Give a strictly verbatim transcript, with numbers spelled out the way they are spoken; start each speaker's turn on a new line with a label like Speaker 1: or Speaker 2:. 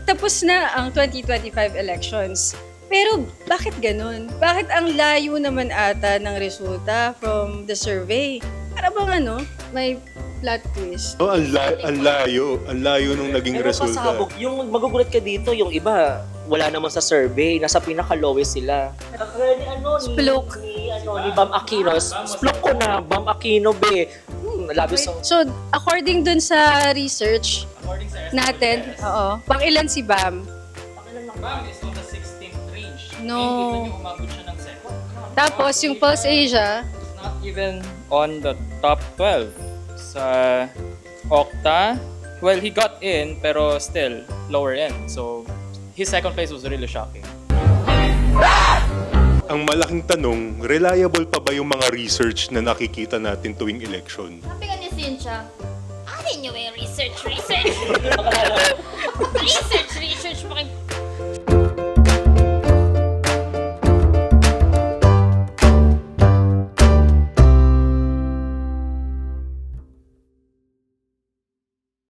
Speaker 1: tapos na ang twenty twenty-five elections. Pero bakit ganun? Bakit ang layo naman ata ng resulta from the survey? Para bang ano, may plot twist.
Speaker 2: Oh, ang, la- ang layo. Ang layo nung naging
Speaker 3: Pero
Speaker 2: resulta.
Speaker 3: pasabog, yung magugulat ka dito, yung iba, wala naman sa survey, nasa pinaka-lowest sila. Kaya ni ano, ni,
Speaker 1: Splok.
Speaker 3: ni, ano, ni Bam Aquino, splok ko na, Bam Aquino, be. Hmm, labis ang...
Speaker 1: So, according dun sa research
Speaker 4: According sa
Speaker 1: natin, oo, pang ilan si Bam?
Speaker 4: Bam is on the sixteenth range.
Speaker 1: No.
Speaker 4: And kita niyo umabot siya ng second.
Speaker 1: Tapos yung Pulse Asia,
Speaker 5: Not even on the top twelve. Sa Okta, well, he got in, pero still lower end. So, his second place was really shocking.
Speaker 2: Ang malaking tanong, reliable pa ba yung mga research na nakikita natin tuwing election?
Speaker 6: Sabi nga ni Cynthia, alin nyo may research, research? research, research pa